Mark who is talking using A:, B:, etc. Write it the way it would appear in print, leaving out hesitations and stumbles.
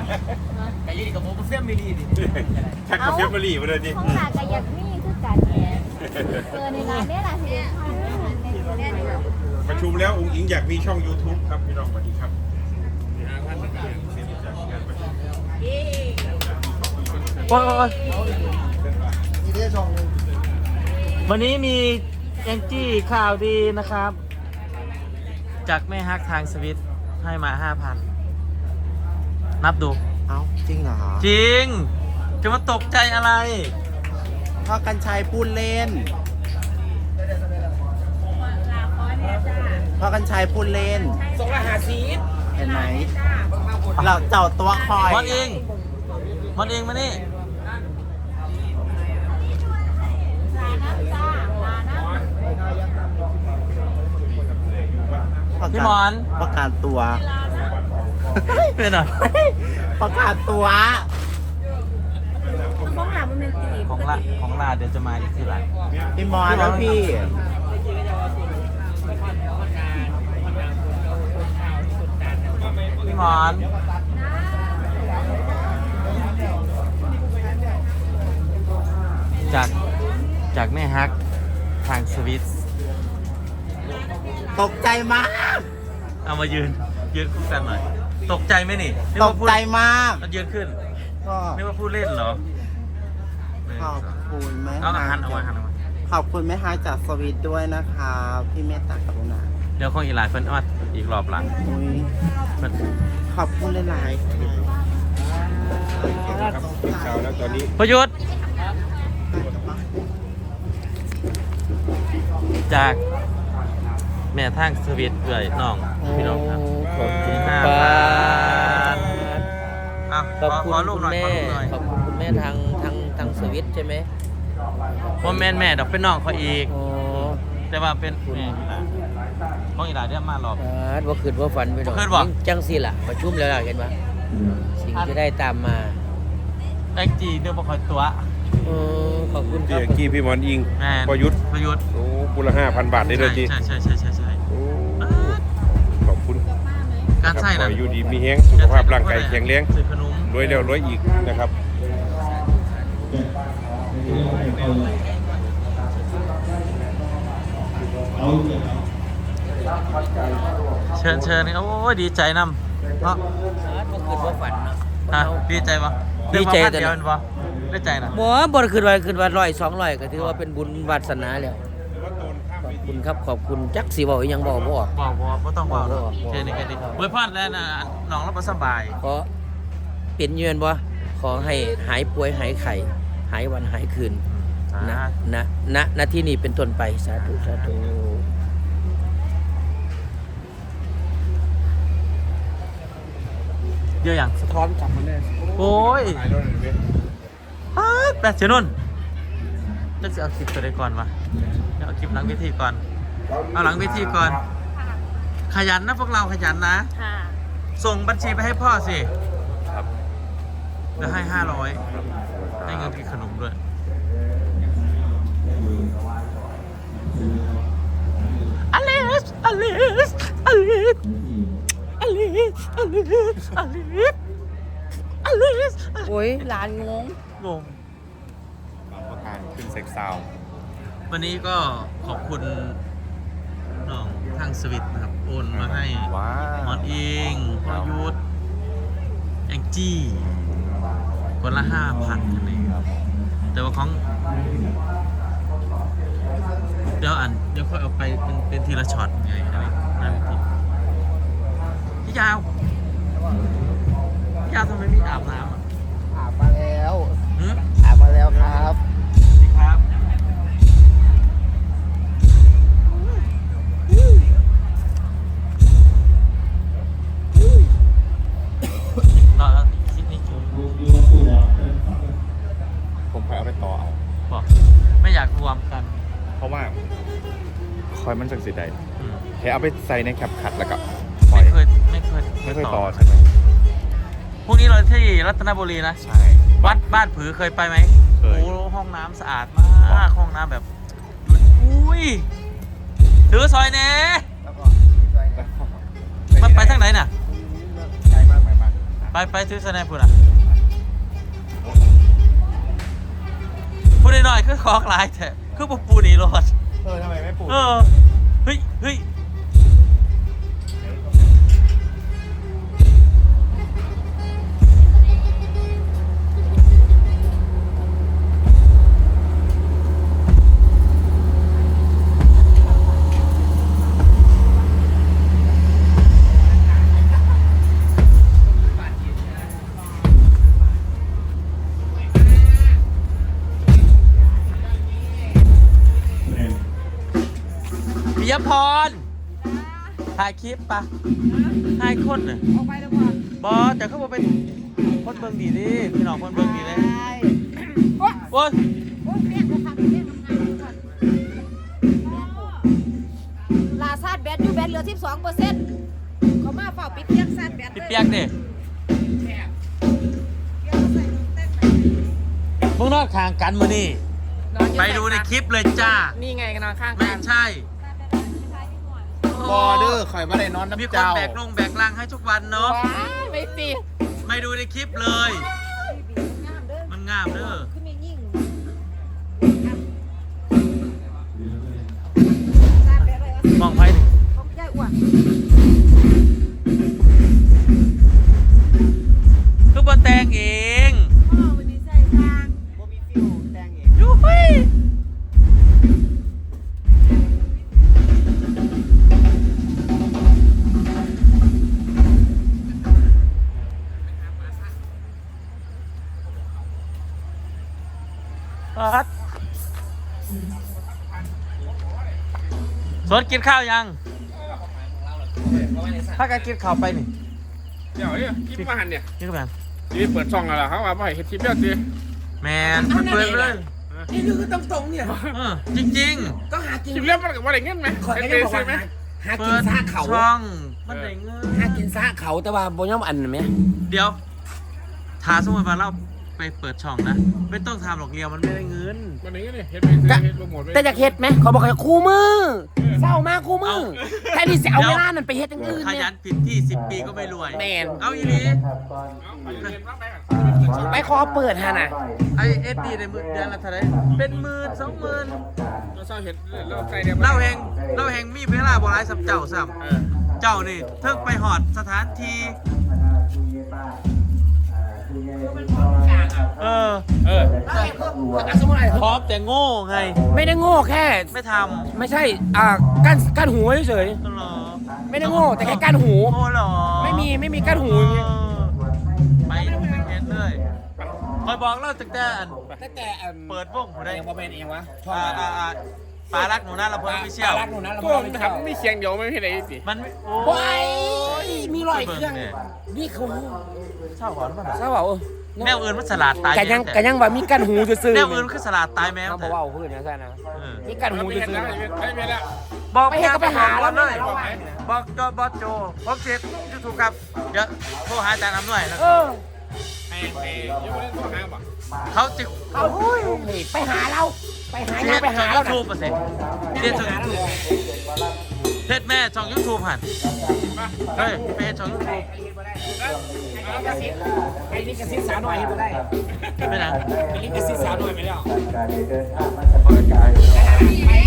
A: ไก่ยี่ดีกับโมบุฟเฟ่มิลีดิ
B: ชักกาแฟมารีมาเลยดิ
C: ห้องหน้าก็อยากมีคือกันแหละในร้านเนี่ยล่ะที่
B: ประชุมแล้วองค์อิงอยากมีช่อง YouTube ครับพี่น้องสวัสดีครับ
D: วันนี้มีแองจี้ข่าวดีนะครับ จากแม่ฮักทางสวิตให้มา 5,000 นับดู
E: เอ้าจริงเหรอ
D: จริง จะมาตกใจอะไร
E: พ่อกันชัยพูดเล่นพ่อกันชัยพูดเล่นเห็นไหมเราเจ้าตัวคอย
D: มันเองมานี่ พี่หมอน
E: ประกาศตัว
D: เป็นหน่อย
E: ประกาศตัว
D: ของลาเดี๋ยวจะมาอีกทีหลัง
E: พี่มอนแล้วพี่
D: พี่หมอน จากแม่ฮักทางสวิต
E: ตกใจมาก
D: เอามายืนคู่กันหน่อย ตกใจไหมนี่
E: ตกใจมาก
D: มันยืนขึ้น
E: ก็
D: นี่ว่าพูดเล่นเหรอ
E: ขอบคุณแม่
D: เอา
E: ฮั
D: หั
E: ก
D: นเอามา
E: ขอบคุณแม่ฮักจากสวีทด้วยนะคะพี่เมตตากรุณา
D: เดี๋ยวคงอีกหลายเพิ่นอดอีกรอบหลัง
E: อุ้ย
D: เพิ่น
E: ขอบคุณหลายๆค่ะ
B: ครับเป็นข่าวแล้วตอนนี้
D: ประยุทธ์จากแม่ทางสวิตเอื่อยน้องพี่น้องครับ
A: ขอบคุณ
D: 5,000
A: ขอบคุณ
D: ขอลูก
A: คุณ
D: หน่อย
A: แม่
D: ขอลูกหน่อย
A: ขอบคุณคุณแม่ทางสวิตใช่ไหม
D: ว่าแม่ดอกเป็นน้องเขาอีก
A: อ๋อ
D: แต่ว่าเป็นแม่ของอีหลายเดี๋ยวมารอบ
A: ว่าคืนว่าฝันไปดอก
D: คืนบ่
A: จังสิล่ะประชุมแล้วล่ะเห็นปะสิ่งจะได้ตามมา
D: แองจีเดี๋ยวบ่ค่อยตัว
A: ขอบคุณค
B: พี่
A: รับ
B: เอกกี้พี่หมอนอิง
D: แม่
B: ประยุทธ์โอ้บุละ5,000 บาทได้เลยจี
D: ใช่
B: โอ้ขอบคุณ
D: การใช่
B: ขอ
D: นะ
B: ให้อยู่ดีมีแห้งสุขภาพร่างกายแข็งแรง
D: ซื้อขนม
B: รวยแล้วรวยอีกนะครับ
D: เชิญนี่โอ้ยดีใจนำเนาะ
A: ว่าคืนว่าฝันเนาะ
D: ฮะดีใจปะ
A: ดีใจ
D: เดียวปะได้ใจนะ
A: บ่คืนว่า100-200ก็ถือว่าเป็นบุญวาสนาแล้วขอบคุณครับขอบคุณจักสิบอกยังบอกบ่ออก
D: บอกต้องบอก
A: บอก
D: แค่นี้เว้ยพอดแล้วนะน้องเราบ่สบาย
A: ขอเป็นเยือนบ่ขอให้หายป่วยหายไข้หายวันหายคืนณที่นี่เป็นต้นไปสาธุสาธุ
D: เยอะอย่าง
E: สะท้อนกลับมาแน่
D: โอ้ยแปดเสียนุ่นจะเอาคลิปตัวใดก่อนวะเอาคลิปหลังเวทีก่อนเอาหลังเวทีก่อน ขยันนะพวกเราขยันนะ
C: ค่ะ
D: ส่งบัญชีไปให้พ่อสิ
B: ครับ
D: แล้วให้500ให้เงินกินขนมด้วยอลิส
C: โอ้ยหลานงง
D: งง
B: บางประการขึ้นเซ็กซาว
D: วันนี้ก็ขอบคุณน้องทางสวิตนะครับโอนมาให้
B: ว้า
D: หมอนอิงพอยุทธแองจี้คนละ 5,000กันเองแต่ว่าของเดี๋ยวค่อยเอาไปเป็นทีละช็อตไงอะไรนั่นทีพี่ยาวทำไมไม่อาบน้ำอ่ะ
E: อาบมาแล้ว
D: หืม
E: อาบมาแล้วครับ
D: สวัสดีครับรอคลิปนี้จบ
B: ผมไปเอาไปต่อเอา
D: บอกไม่อยากรวมกัน
B: เพราะว่าคอยมันจังสิใด
D: อืม
B: แค่เอาไปใส่ในแคปขัดแล้วก็ปล่อย
D: ไม่เคย
B: ต่อใช่ไหม
D: พรุ่งนี้เราที่รัตนบุรีนะ
B: ใช่
D: วัดบ้านผือเคยไปไหม
B: เคย
D: โอ้ห้องน้ำสะอาดมากห้องน้ำแบบอุ้ยถือซอยเน่มาไปทางไหนน่ะ
B: ไกลมากไหมมาก
D: ไปซื้อสแนปพูดอ่ะพูดหน่อยๆคือของหลายแต่คือปูนี่รถ
B: ทำไมไม่ปลูก
D: เฮ้ยปิยพรถ่ายคลิปปะถ่ายคนน่ะ
C: ออกไปแล้วก่อน
D: บอแต่เขาบอกเป็นคนเบิ่งดีดิพี่น้องคนเบิ่งดีเลยโอ้ย
C: โอ้ยเรียกนะคะเรียกทำงานก่อนลาซาดแบตอยู่แบตเหลือ 12%เขามาเฝ้าปิดเตียงซาดแบต
D: พี่เปียกดิพวกนอกทางกันมือนี่ไปดูในคลิปเลยจ้า
E: นี่ไงกันนอนข้าง
D: ไม่
E: กัน
D: ใช่
E: บอเดอร์ข่อยมาได้นอน
D: มี
E: น้ำ
D: คน
E: เจ้า
D: แบกลงแบกลังให้ทุกวันเนาะ
E: ว้ายไม่สิ
D: ไม่ดูในคลิปเลย มันงามเด้อ
C: ขึ้นไม่ยิ่งซาดแบตเลย
D: มองไปดิ
C: เขาไม่ได้อ้วน
D: คือบนแตงเอง
C: พ่อวันนี้ใส่ทาง
E: บ่มีฟิวแดงเอง
D: ยูฮูปัดสวนกินข้าวยังถ้าการกินข้าวไปนี่
F: เดี๋ยวเนี่ยคลิปมาหันเนี่ย
D: นี่ก็แบบ
F: นี่เปิดช่องแล้วล่ะเขาว่าไม่ให้เฮ็ดคลิปแล้วสิ
D: แมนเปิดเลย
E: นี่คือตรงๆเนี่ย
D: จริง
E: ก็หากิน
F: คลิปแล้วมันก็ว่าอะไรเงี้ยไหม
E: ข่อยก็
F: เฮ็
E: ยัง
F: ด
E: บอก
F: ซื้อไหม
E: ว่าหา
D: ๆ
E: กินซากเขา
D: ช่องมันได้เงิน
E: หากินซากเขาแต่ว่าบ่ยอมอันนั้นไหม
D: เดี๋ยวถ้าสมมติว่าเราไปเปิดช่องนะ ไม่ต้องทำหรอกเดียวมันไม่ได้เงิน
F: วันนี้เนี่ยเฮ็ดไปซื้อเฮ็ดโปรโมทไป
E: แต่อยากเฮ็ดไหมเขาบอกให้คู่มือเศร้ามากคู่มือแค่นี้จะเอาเวลานั้นไปเฮ็ดอย่างอื่น
D: ข
E: เนี่
D: ยั
E: ย
D: นผิดที่ 10 ปีก็ไม่รวย
E: แมน
D: เอาอีหลี
F: เอาไปเรียนบ้างไหม
E: ไปขอเปิดฮะน่ะ
D: ไอเอสดีในมือเดือนละเท่าไหรเป็น10,000 20,000
F: เราเศร้าเห็ดเราใส่เดียว
D: เล่าแหงมีเวลาบ่หลายสับเจ้าซ้ำเจ้านี่เทิงไปหอดสถานที่เออ
E: สมมติอะไร
D: พร้อมแต่โง่ไง
E: ไม่ได้โง่แค่
D: ไม่ท
E: ไม่ใช่กั้นหูเฉย
D: ำก็หรอ
E: ๆไม่ได้โง่แต่แค่กั้นหู
D: โง่หรอ
E: ไม่มีกั้นหูอย่างงี้
D: ไปเห็นเลยคอยบอกเล่าตั้งแต่อัน
E: ตั้งแต่
D: เปิดวงผมได้
E: เองพอเป็นเองวะชอบ
D: ปลารักหนูน่าละเพิ่มไม่เชี่ยว
E: รักหนูนะเรา
F: ก็
E: ไม่
F: ทำไม่เคียงเดียวไม่เห็นอะไรสิ
D: มัน
E: โอ้ยมีรอยเครื่องนี่เขา
D: เศร้าหอนป่ะ
E: ทราบเปล่า
D: แนวอื่นมันสลัดตาย
E: กันยังว่ามีกั้นหูซื่อๆ
D: แนวอื่นคือสลัดตายแมว
E: เขาบ
D: แต่
E: อกว่าพูดอย่างนั้นนะ
D: เออ
E: มีกั้นหู
F: ไม่
E: ซื่
F: เห็น
E: อ
F: แล้วไม่เห็นแล้ว
D: บอก
E: ไปเห็นก็ไปหาแล้ว
D: เลย
E: ไม่เอา
D: บอกจอบอสโจผมเช็คยูทูบครับเดี๋ยวโทรหาอาจารย์อำนวยแล้ว
E: เออ
F: ไอ้ยังไม่ได้ตัวหาบ่
D: เขาจะ
E: เอาไปหาเราไปหา
D: เท
E: ไป
D: ศ
E: หา
D: ช่อง
E: เรา
D: ยูทูบป่ะเสร็จเทศช่องยูทูบเทศแม่ช่องยูทูบหันเฮ้ยไปเทศช่องยูทูบ
E: ไอ้นี่กระซิบสาวหน่อยให้มาได้
D: ไม่นะ
E: ไอ้นี่กระซิบสาวหน่อยไปแล้ว
B: การเดินทางมาจาก